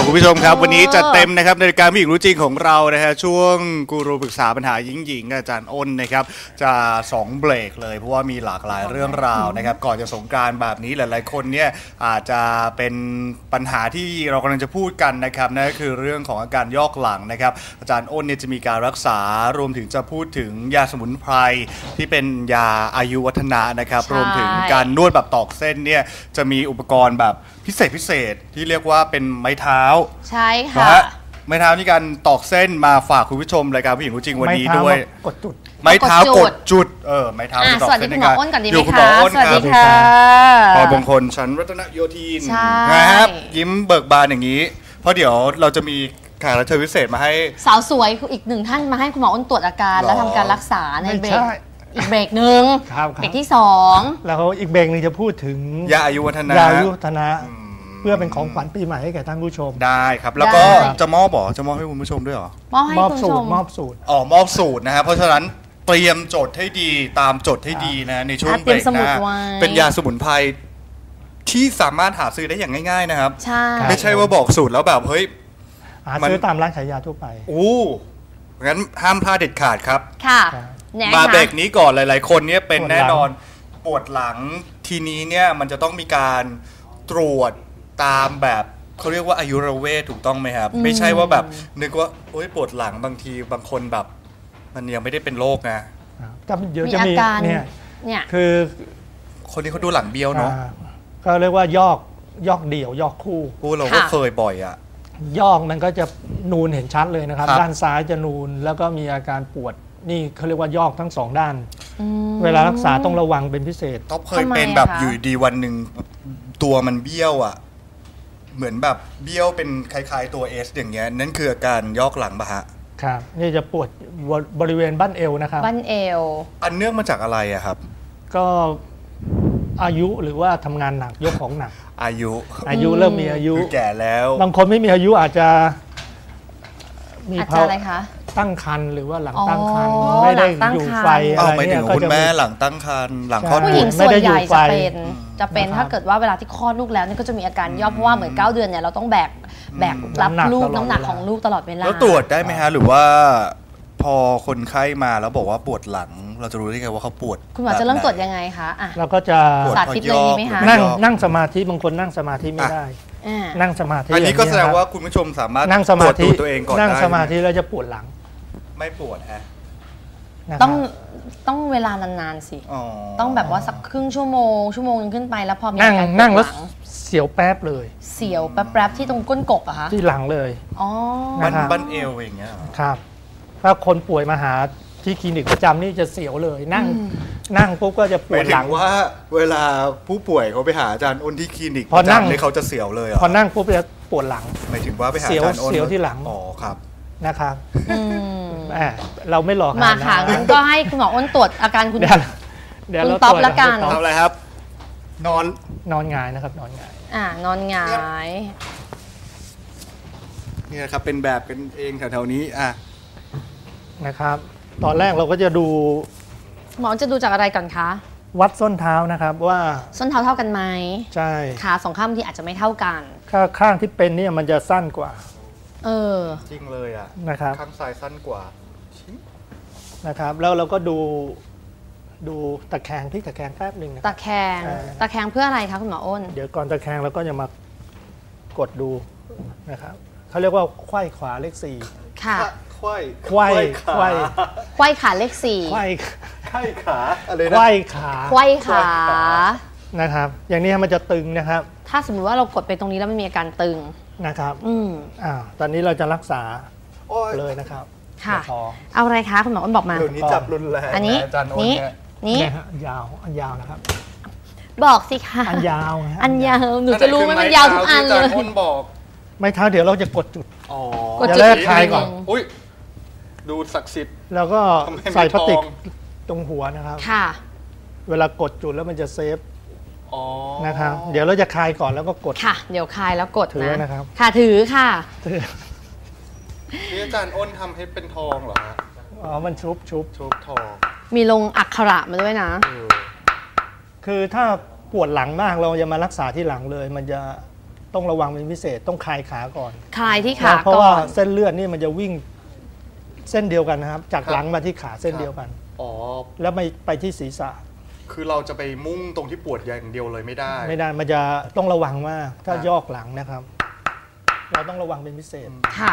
คุณผู้ชมครับวันนี้จัดเต็มนะครับในการผู้หญิงรู้จริงของเรานะฮะช่วงกูรูปรึกษาปัญหาหญิงอาจารย์อ้นนะครับจะ2เบรกเลยเพราะว่ามีหลากหลายเรื่องราวนะครับก่อนจะสงกรานต์แบบนี้หลายๆคนเนี่ยอาจจะเป็นปัญหาที่เรากำลังจะพูดกันนะครับนั่นก็คือเรื่องของอาการยอกหลังนะครับอาจารย์อ้นเนี่ยจะมีการรักษารวมถึงจะพูดถึงยาสมุนไพรที่เป็นยาอายุวัฒนะนะครับรวมถึงการนวดแบบตอกเส้นเนี่ยจะมีอุปกรณ์แบบพิเศษที่เรียกว่าเป็นไม้เท้าใช่ค่ะไม้เท้านี่การตอกเส้นมาฝากคุณผู้ชมรายการผู้หญิงรู้จริงวันนี้ด้วยกดจุดไม้เท้ากดจุดไม้เท้าตอกเส้นในการอยู่คุณหมออ้นครับพอบงคลชั้นรัตนโยธินนะครับยิ้มเบิกบานอย่างนี้เพราะเดี๋ยวเราจะมีแขกรับเชิญพิเศษมาให้สาวสวยอีกหนึ่งท่านมาให้คุณหมออ้นตรวจอาการแล้วทำการรักษาในเบรกอีกเบรกหนึ่งเบรกที่2 แล้วอีกเบรกนึงจะพูดถึงยาอายุวัฒนะเพื่อเป็นของขวัญปีใหม่ให้แก่ท่านผู้ชมได้ครับแล้วก็จะมอบให้คุณผู้ชมด้วยหรอมอบสูตรมอบสูตรนะครับเพราะฉะนั้นเตรียมจดให้ดีตามจดให้ดีนะในช่วงเบรกหน้าเป็นยาสมุนไพรที่สามารถหาซื้อได้อย่างง่ายๆนะครับไม่ใช่ว่าบอกสูตรแล้วแบบเฮ้ยหาซื้อตามร้านขายยาทั่วไปงั้นห้ามพลาดเด็ดขาดครับค่ะมาเบรกนี้ก่อนหลายๆคนเนี่ยเป็นแน่นอนปวดหลังทีนี้เนี่ยมันจะต้องมีการตรวจตามแบบเขาเรียกว่าอายุรเวทถูกต้องไหมครับไม่ใช่ว่าแบบนึกว่าโอ๊ยปวดหลังบางทีบางคนแบบมันยังไม่ได้เป็นโรคนะเดี๋ยวจะมีเนี่ยคือคนที่เขาดูหลังเบี้ยวเนาะก็เรียกว่ายอกเดี่ยวยอกคู่เราก็เคยบ่อยอ่ะยอกมันก็จะนูนเห็นชัดเลยนะครับด้านซ้ายจะนูนแล้วก็มีอาการปวดนี่เขาเรียกว่ายอกทั้ง2ด้านเวลารักษาต้องระวังเป็นพิเศษต้องเคยเป็นแบบอยู่ดีวันหนึ่งตัวมันเบี้ยวอ่ะเหมือนแบบเบี้ยวเป็นคล้ายๆตัว S อย่างเงี้ยนั่นคืออาการยอกหลังปะฮะครับนี่จะปวดบริเวณบั้นเอวนะครับบั้นเอวอันเนื่องมาจากอะไรอะครับก็อายุหรือว่าทำงานหนักยกของหนักอายุเริ่มมีอายุแก่แล้วบางคนไม่มีอายุอาจจะมีภาวะอะไรคะตั้งครรภ์หรือว่าหลังตั้งครรภ์ไม่ได้อยู่ไฟอะไรเนี่ยก็จะแม่หลังตั้งครรภ์หลังคลอดผู้หญิงส่วนใหญ่จะเป็นถ้าเกิดว่าเวลาที่คลอดลูกแล้วนี่ก็จะมีอาการย่อเพราะว่าเหมือน9 เดือนเนี่ยเราต้องแบกรับลูกน้ำหนักของลูกตลอดเวลาแล้วตรวจได้ไหมฮะหรือว่าพอคนไข้มาแล้วบอกว่าปวดหลังเราจะรู้ได้ไงว่าเขาปวดคุณหมอจะเริ่มตรวจยังไงคะเราก็จะสาธิตเลยดีไหมคะนั่งสมาธิบางคนนั่งสมาธิไม่ได้นั่งสมาธิอันนี้ก็แสดงว่าคุณผู้ชมสามารถนั่งสมาธิตัวเองก่อนนั่งสมาธิแล้วจะปวดหลังไม่ปวดฮะต้องเวลานานๆสิต้องแบบว่าสักครึ่งชั่วโมงขึ้นไปแล้วพอมีการนั่งแล้วเสียวแป๊บเลยเสียวแป๊บที่ตรงก้นกบอะคะที่หลังเลยบั้นเอวอย่างเงี้ยครับถ้าคนป่วยมาหาที่คลินิกประจำนี่จะเสียวเลยนั่งปุ๊บก็จะปวดหลังว่าเวลาผู้ป่วยเขาไปหาอาจารย์อ้นที่คลินิกประจำเลยเขาจะเสียวเลยพอนั่งปุ๊บจะปวดหลังหมายถึงว่าไปหาอาจารย์อ้นเสียวที่หลังอ๋อครับนะครับเราไม่หลอกมาค่ะงั้นก็ให้คุณหมออ้นตรวจอาการคุณต๊อบละกันทำอะไรครับนอนหงายนะครับนอนหงายนอนหงายนี่นะครับเป็นแบบกันเองแถวๆนี้นะครับตอนแรกเราก็จะดูหมอจะดูจากอะไรก่อนคะวัดส้นเท้านะครับว่าส้นเท้าเท่ากันไหมใช่ขา2 ข้างที่อาจจะไม่เท่ากันข้างที่เป็นเนี่ยมันจะสั้นกว่าจริงเลยนะครับข้างซ้ายสั้นกว่านะครับแล้วเราก็ดูตะแคงที่ตะแคงแป๊บหนึ่งตะแคงเพื่ออะไรคะคุณหมออ้นเดี๋ยวก่อนตะแคงเราก็จะมากดดูนะครับเขาเรียกว่าไขว้ขวาเลข4 ค่ะไขว้ขาเลข4 ไขว้ขาอะไรนะไขว้ขานะครับอย่างนี้มันจะตึงนะครับถ้าสมมติว่าเรากดไปตรงนี้แล้วมันมีอาการตึงนะครับตอนนี้เราจะรักษาเลยนะครับค่ะเอาอะไรคะคุณหมออ้นบอกมาเดี๋ยวนี้จับรุนแรงอันนี้นี่ยาวนะครับบอกสิคะอันยาวหนูจะรู้ไหมมันยาวทุกอันเลยไม่เท้าเดี๋ยวเราจะกดจุดกดจุดคลายก่อนดูศักดิ์สิทธิ์แล้วก็ใส่พลาสติกตรงหัวนะครับค่ะเวลากดจุดแล้วมันจะเซฟนะครับเดี๋ยวเราจะคลายก่อนแล้วก็กดค่ะเดี๋ยวคลายแล้วกดนะครับค่ะถือค่ะนี่อาจารย์อ้นทำให้เป็นทองเหรอฮะมันชุบทองมีลงอักขระมาด้วยนะคือถ้าปวดหลังมากเราจะมารักษาที่หลังเลยมันจะต้องระวังเป็นพิเศษต้องคลายขาก่อนคลายที่ขาเพราะก่ว่าอนเส้นเลือดนี่มันจะวิ่งเส้นเดียวกันนะครับ จากหลังมาที่ขาเส้นเดียวกันอ๋อแล้วไม่ไปที่ศีรษะคือเราจะไปมุ่งตรงที่ปวดอย่างเดียวเลยไม่ได้ไม่ได้มันจะต้องระวังมากถ้ายอกหลังนะครับ เราต้องระวังเป็นพิเศษค่ะ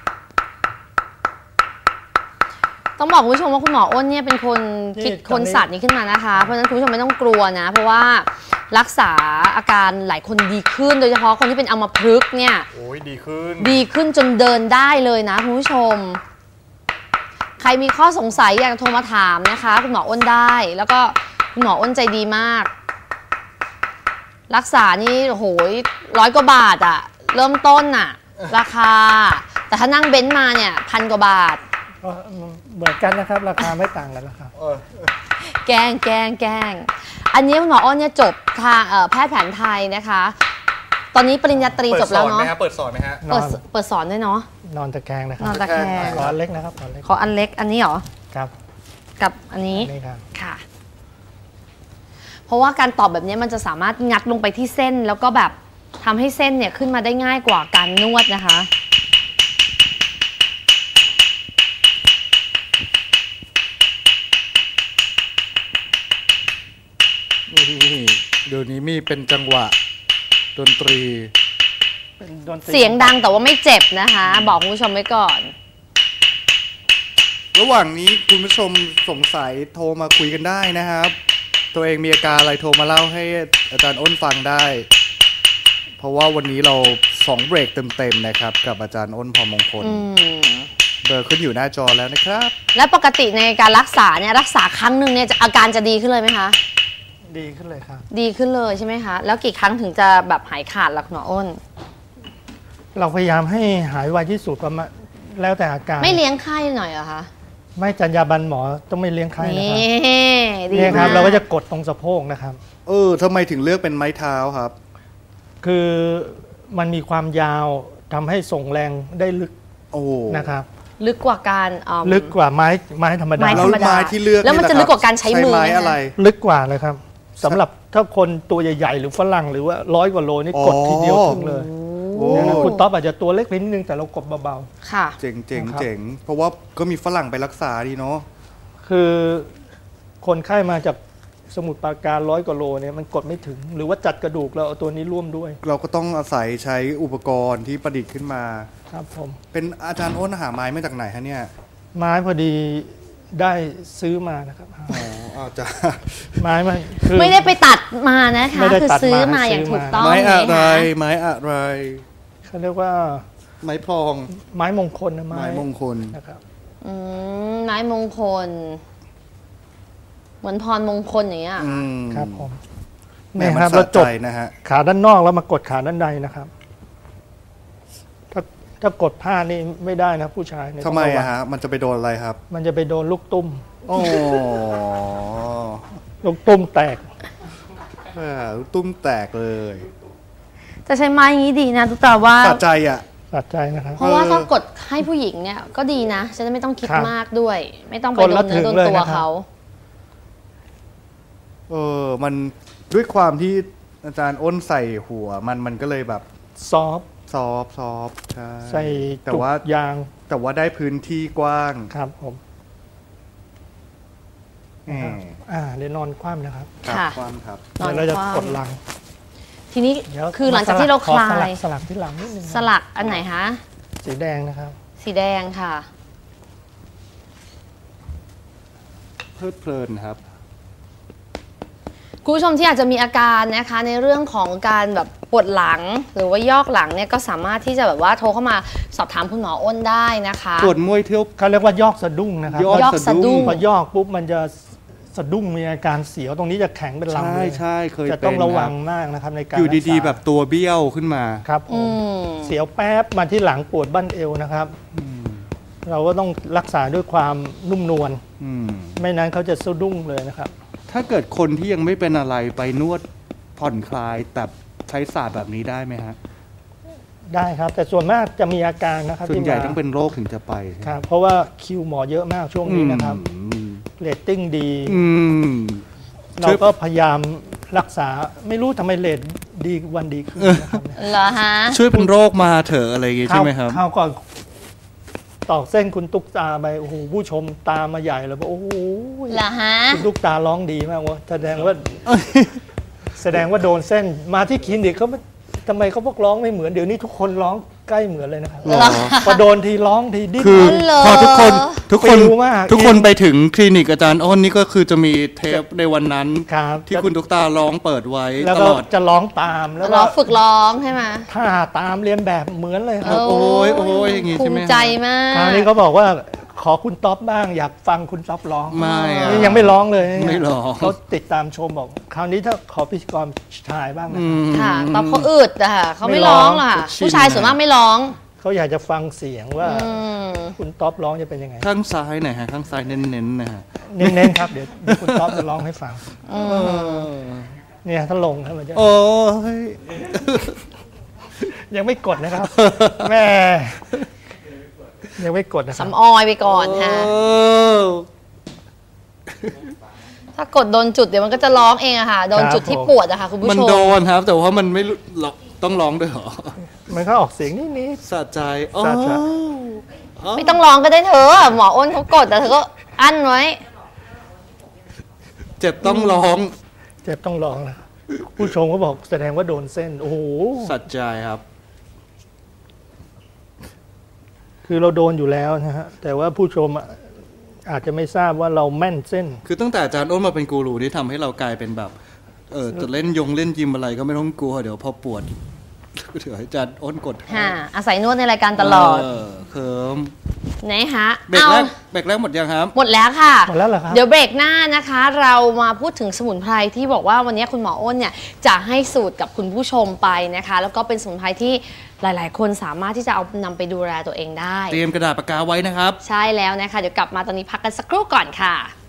ต้องบอกคุณผู้ชมว่าคุณหมออ้นเนี่ยเป็นคนคิดนี่คนศาสตร์นี้ขึ้นมานะคะ เพราะฉะนั้นคุณผู้ชมไม่ต้องกลัวนะ เพราะว่ารักษาอาการหลายคนดีขึ้น โดยเฉพาะคนที่เป็นอัมพฤกษ์เนี่ยโอ้ยดีขึ้นดีขึ้นจนเดินได้เลยนะคุณผู้ชม ใครมีข้อสงสัยอยากจะโทรมาถามนะคะ คุณหมออ้นได้ แล้วก็คุณหมออ้นใจดีมาก รักษานี่โอ้โห100 กว่าบาทอะเริ่มต้นอะราคา แต่ถ้านั่งเบนซ์มาเนี่ย1,000 กว่าบาทก็เหมือนกันนะครับ ราคาไม่ต่างกันนะครับแกล้งอันนี้คุณหมออ้นเนี่ยจบทางแพทย์แผนไทยนะคะ ตอนนี้ปริญญาตรีจบแล้วเนาะเปิดสอนไหมฮะเปิดสอนด้วยเนาะนอนตะแคงนะครันอนตะแคงขออันเล็กนะครับขออันเล็กขออันเล็กอันนี้เหรอครับกับอันนี้นี่ครับค่ะ เพราะว่าการตอบแบบนี้มันจะสามารถงัดลงไปที่เส้น แล้วก็แบบทำให้เส้นเนี่ยขึ้นมาได้ง่ายกว่าการนวดนะคะนี่เดี๋ยวนี้มีเป็นจังหวะดนตรีเป็นดนตรีเสียงดังแต่ว่าไม่เจ็บนะคะ บอกคุณผู้ชมไว้ก่อนระหว่างนี้คุณผู้ชมสงสัยโทรมาคุยกันได้นะครับ ตัวเองมีอาการอะไรโทรมาเล่าให้อาจารย์อ้นฟังได้ เพราะว่าวันนี้เรา2 เบรกเต็มๆนะครับ กับอาจารย์อ้นพรมงคล เบอร์ขึ้นอยู่หน้าจอแล้วนะครับและปกติในการรักษาเนี่ยรักษาครั้งหนึ่งเนี่ยอาการจะดีขึ้นเลยไหมคะดีขึ้นเลยครับดีขึ้นเลยใช่ไหมคะ แล้วกี่ครั้งถึงจะแบบหายขาดล่ะคุณหมออ้นเราพยายามให้หายไวที่สุดประมาณแล้วแต่อาการไม่เลี้ยงไข้หน่อยเหรอคะไม่จรรยาบรรณหมอต้องไม่เลี้ยงไข้นะครับนี่ดีนี่คมารับกเราก็จะกดตรงสะโพกนะครับทำไมถึงเลือกเป็นไม้เท้าครับคือมันมีความยาวทำให้ส่งแรงได้ลึกโอ้นะครับลึกกว่าการลึกกว่าไม้ธรรมดาไม้แล้วไม้ที่เลือกแล้วมันจะลึกกว่าการใช้มือไม้ไหมคะอะไรลึกกว่าเลยครับสำหรับถ้าคนตัวใหญ่ๆหรือฝรั่งหรือว่า100 กว่าโลนี่กดทีเดียวถึงเลยโอ้นะคุณต๊อบอาจจะตัวเล็กไปนิดนึงแต่เรากดเบาค่ะเจ๋งเจ๋งนะครับเจ๋งเพราะว่าก็มีฝรั่งไปรักษาดีเนาะๆคือคนไข้มาจากสมุทรปราการ100 กว่าโลเนี่ยมันกดไม่ถึง หรือว่าจัดกระดูกเราเอาตัวนี้ร่วมด้วยเราก็ต้องอาศัยใช้อุปกรณ์ที่ประดิษฐ์ขึ้นมาครับผมเป็นอาจารย์อ้นหาไม้มาจากไหนฮะเนี่ยไม้พอดีได้ซื้อมานะครับอาจารย์ไม้มันคือไม่ได้ไปตัดมานะคะไม่ได้คือตัดมาซื้อมาซื้ออย่างถูกมาต้องไม้อะไรนะคะไม้อะไรเขาเรียกว่าไม้พลองไม้มงคลนะไม้มงคลนะครับไม้มงคล เหมือนพรมงคลอย่างเงี้ยครับผมแม่นี่มันครับสะเราจใจบนะฮะขาด้านนอกแล้วมากดขาด้านในนะครับ ถ้ากดผ้านี่ไม่ได้นะผู้ชายเนี่ยทำไมต้องรวัอะงฮะ มันจะไปโดนอะไรครับมันจะไปโดนลูกตุ้มโอ้ลูกตุ้มแตกตุ้มแตกเลยจะใช้ไม้อย่างนี้ดีนะทุกตาว่าสะใจอ่ะสะใจนะครับเพราะว่าถ้ากดให้ผู้หญิงเนี่ยก็ดีนะจะได้ไม่ต้องคิดครับมากด้วย ไม่ต้องไปกดโดแล้วนเนื้อโดนถึงเลยตัวนะครับเขามันด้วยความที่อาจารย์อ้นใส่หัว มันก็เลยแบบซอฟต์ซอฟใช่ใส่แต่จุกว่ายางแต่ว่าได้พื้นที่กว้างครับผมอืมเดี๋ยวนอนคว่ำนะครับครับค่ะกว้างครับนอนเดี๋ยวเราจะคว่ำกดหลังทีนี้เดี๋ยวคือหลังจากที่เราคลาขอสยสลักที่หลังนิดนึงสลักอันไหนคะสีแดงนะครับสีแดงค่ะเพลิดเพลินครับคุณผู้ชมที่อาจจะมีอาการนะคะในเรื่องของการแบบปวดหลังหรือว่ายอกหลังเนี่ยก็สามารถที่จะแบบว่าโทรเข้ามาสอบถามคุณหมออ้นได้นะคะปวดมวยเที่ยวเขาเรียกว่ายอกสะดุ้งนะครับยอกสะดุ้งพอยอกปุ๊บมันจะสะดุ้งมีอาการเสียวตรงนี้จะแข็งเป็นลำใช่เลยใช่เคยจะเป็นต้องระวังคบมากนะครับในการอยู่ดีๆรักษาแบบตัวเบี้ยวขึ้นมาครับผมเสียวแป๊บมาที่หลังปวดบั้นเอวนะครับ เราก็ต้องรักษาด้วยความนุ่มนวลอืมไม่นั้นเขาจะสะดุ้งเลยนะครับถ้าเกิดคนที่ยังไม่เป็นอะไรไปนวดผ่อนคลายแต่ใช้ศาสตร์แบบนี้ได้ไหมฮะได้ครับ แต่ส่วนมากจะมีอาการนะครับส่วนใหญ่ที่มาต้องเป็นโรคถึงจะไปครับเพราะว่าคิวหมอเยอะมากช่วงนี้นะครับอืมเรตติ้งดีอืมเราก็พยายามรักษาไม่รู้ทำไมเรตดีวันดีขึ้นนะครับเหรอฮะช่วยเป็นโรคมาเถอะอะไรอย่างงี้ใช่ไหมครับข้าวก่อนตอกเส้นคุณตุ๊กตาไปโอ้โหผู้ชมตามมาใหญ่เลยบอกโอ้โหเหรอฮะคุณตุ๊กตาร้องดีมากวะแสดงว่าโดนเส้นมาที่คลินิกเขาไม่ทำไมเขาพวกร้องไม่เหมือนเดี๋ยวนี้ทุกคนร้องใกล้เหมือนเลยนะครับหรอพอโดนทีร้องทีดิ้นคือเหรอพอทุกคนฟิลมากทุกคนไปถึงคลินิกอาจารย์อ้นนี่ก็คือจะมีเทปในวันนั้นครับที่คุณตุ๊กตาร้องเปิดไว้แล้วตก็ลอดจะร้องตามแล้วร้ก็องฝึกร้องใช่ไหมท่าตามเรียนแบบเหมือนเลยครับโอ้ยโอ้ยอย่างงี้ภูใช่ไหมมิใจมากคราวนี้เขาบอกว่าขอคุณท็อปบ้างอยากฟังคุณท็อปร้องไม่อะนี่ยังไม่ร้องเลยไม่ร้องเขาติดตามชมบอก คราวนี้ถ้าขอพิธีกรชายบ้างนะอืมค่ะตอบเขาอึดอะค่ะเขาไม่ไม่ร้ร้ออง งหรอกค่ะชินผู้ชายส่วนมากไม่ร้องเขาอยากจะฟังเสียงว่าอืมคุณท็อปร้องจะเป็นยังไงข้างซ้ายหน่อยฮะข้างซ้ายเน้นๆนะฮะเน้นๆครับเดี๋ยวคุณท็อปจะร้องให้ฟังเนี่ยถ้าลงครับมันจะโอ้ยยังไม่กดนะครับ แม่ ยังไม่กดนะครับสำออยไปก่อนค่ะ ถ้ากดโดนจุดเดี๋ยวมันก็จะร้องเองอะค่ะ โดนจุดที่ปวดอะค่ะคุณผู้มันชโดมนครับ แต่ว่ามันไม่รู้ต้องร้องด้วยเหรอมันก็ออกเสียงนิดสะใจอ๋อสะใจไม่ต้องร้องก็ได้เธอหมออ้นเขากดแต่เธอก็อั้นไว้เจ็บต้องร้องๆเจ็บต้องร้องนะผู้ชมก็บอกแสดงว่าโดนเส้น โอ้โหสะใจครับคือเราโดนอยู่แล้วนะฮะ แต่ว่าผู้ชมอาจจะไม่ทราบว่าเราแม่นเส้นคือตั้งแต่อาจารย์อ้นมาเป็นกูรูที่ทำให้เรากลายเป็นแบบจะเล่นเล่นยิมอะไรก็ไม่ต้องกลัวเดี๋ยวพอปวดเดี๋ยวให้อาจารย์อ้นกดค่ะ อาศัยนวดในรายการตลอดเคิมนะคะเบรกเอาแรกหมดยังครับหมดแล้วค่ะหมดแล้วเหรอครับเดี๋ยวเบรกหน้านะคะ เรามาพูดถึงสมุนไพรที่บอกว่าวันนี้คุณหมออ้นเนี่ยจะให้สูตรกับคุณผู้ชมไปนะคะ แล้วก็เป็นสมุนไพรที่หลาย ๆ คนสามารถที่จะเอานำไปดูแลตัวเองได้เตรียมกระดาษปากกาไว้นะครับใช่แล้วนะคะ เดี๋ยวกลับมาตอนนี้พักกันสักครู่ก่อนค่ะ